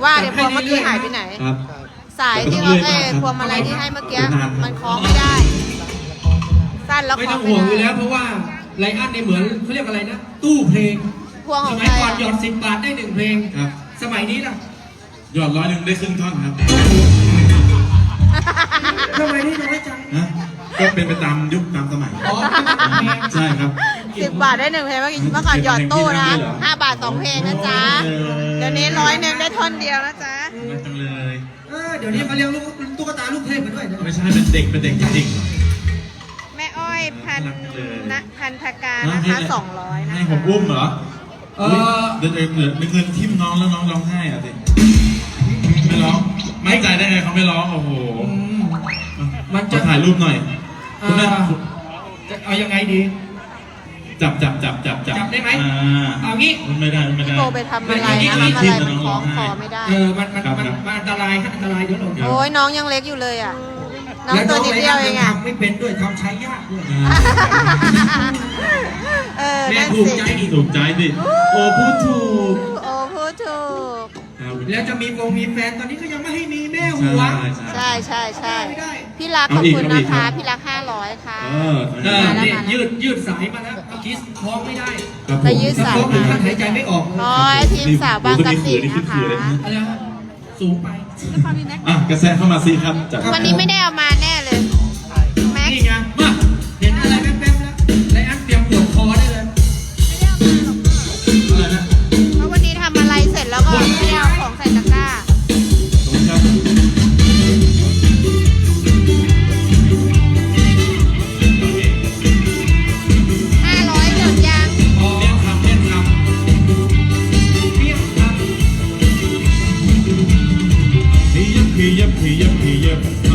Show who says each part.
Speaker 1: ว่าเดี๋ยวพวงเมื่อกี้หายไปไหน
Speaker 2: ครับ
Speaker 1: สายที่เราพวงมาลัยที่ให้เมื่อกี้มันคล้องไม่ได้ สั้นแล้ว
Speaker 3: ไม่
Speaker 1: คล้
Speaker 3: ต้
Speaker 1: อ
Speaker 3: อง ง
Speaker 1: ไม่
Speaker 3: ห่วง
Speaker 1: ได้
Speaker 3: อยู่แล้วเพราะว่าไลอ้อนเนี่ยเหมือนเขาเรียกอะไรนะตู้เพลง
Speaker 1: พวงข
Speaker 3: ส
Speaker 1: อง
Speaker 3: มั
Speaker 1: ใค
Speaker 3: ย
Speaker 1: ร
Speaker 3: ก่อน
Speaker 1: อะ
Speaker 3: หยอด10 บาทได้1 เพลง
Speaker 2: ครับ
Speaker 3: สมัยนี้ล่ะ
Speaker 2: หยอด100ได้ครึ่งท่อนครับ
Speaker 3: สมัยนี้น้อยจัง
Speaker 2: นะก็เป็นไปตามยุคตามสมัย
Speaker 3: อ๋อ
Speaker 2: ใช่ครับ
Speaker 1: 10 บาทได้1 เพลงเมื่อก่อนหยอดตู้นะ5 บาท 2 เพลงนะจ๊ะเดี๋ยวนี้100ได้ท่อนเดียวนะจ๊ะ
Speaker 2: มันจังเลย
Speaker 3: เดี๋ยวนี้เขาเรียกลูกตุ๊กตาลูกเทพมาด้วยนะ
Speaker 2: ไม่ใช่เป็นเด็กจริง
Speaker 1: แม่อ้อยพัน
Speaker 2: น่ารักจังเลย
Speaker 1: นะพันธการ
Speaker 2: ๆ
Speaker 1: นะคะ200นะ
Speaker 2: ให้
Speaker 1: คะ
Speaker 2: ผมอุ้มเหรอเดี๋ยวเหมือนเงินทิ่มน้องแล้วน้องร้องไห้อ่ะสิไม่ร้องไม่ใจได้ไงเขาไม่ร้องโอ้โห
Speaker 3: มัน
Speaker 2: จะ
Speaker 3: จะ
Speaker 2: ถ่ายรูปหน่อยคุณแม่
Speaker 3: จะเอายังไงดี
Speaker 2: จับ
Speaker 3: จับได้ไหมเอางี้
Speaker 2: ไม่ได้
Speaker 1: พี่โบไปทำอะไรนะทำอะไรมันคล้องคอไม่ได้
Speaker 3: มันอันตรายครับอันตรายเดี๋ยวเรา
Speaker 1: โอ้ยน้องยังเล็กอยู่เลยอ่ะ น้องตัวนิดเดียวเองอ่ะ
Speaker 3: ทำไม่เป็นด้วยทำใช้ยากด้วย แม่
Speaker 1: นั่น
Speaker 3: ภูมิ
Speaker 1: สิ
Speaker 3: ใจอีก
Speaker 2: ถูกใจดิโอ้พูดถูก
Speaker 1: โอ้พูดถูก
Speaker 3: แล้วจะมีแฟนตอนนี้ก็ยังไม่ให้มีแม่หัว
Speaker 1: ใช่
Speaker 3: ไม่ได้
Speaker 1: พี่รักขอบคุณนะคะ พี่รัก500ค่ะ
Speaker 3: เนี่ยยืดสายมาแล้วเมื่อกี้คล้องไม่ได้
Speaker 1: ไปยืดสาย
Speaker 3: คล้อง
Speaker 1: มา
Speaker 3: ท่านหายใจไม่ออก
Speaker 1: โอ้ยทีมสาวบางกะปินะคะ
Speaker 3: อะไรฮะสูงไป
Speaker 2: กระแสเข้ามาสิครับจาก
Speaker 1: วันนี้ไม่ได้เอามาแน่เลย แม็ก
Speaker 3: นี่ไงมาเห็นอะไรแป๊บๆแล้วไลอ้อนเตรียมปวดคอได้เลย
Speaker 2: อะไรนะ
Speaker 1: เพราะวันนี้ทำอะไรเสร็จแล้วก็ไม่ได้เอาของใส่ตะกร้า
Speaker 2: ตรงนี้ครับ
Speaker 1: 500หยดยัง
Speaker 2: เลี่ยงคำ
Speaker 3: เรียกครับ
Speaker 2: พียับ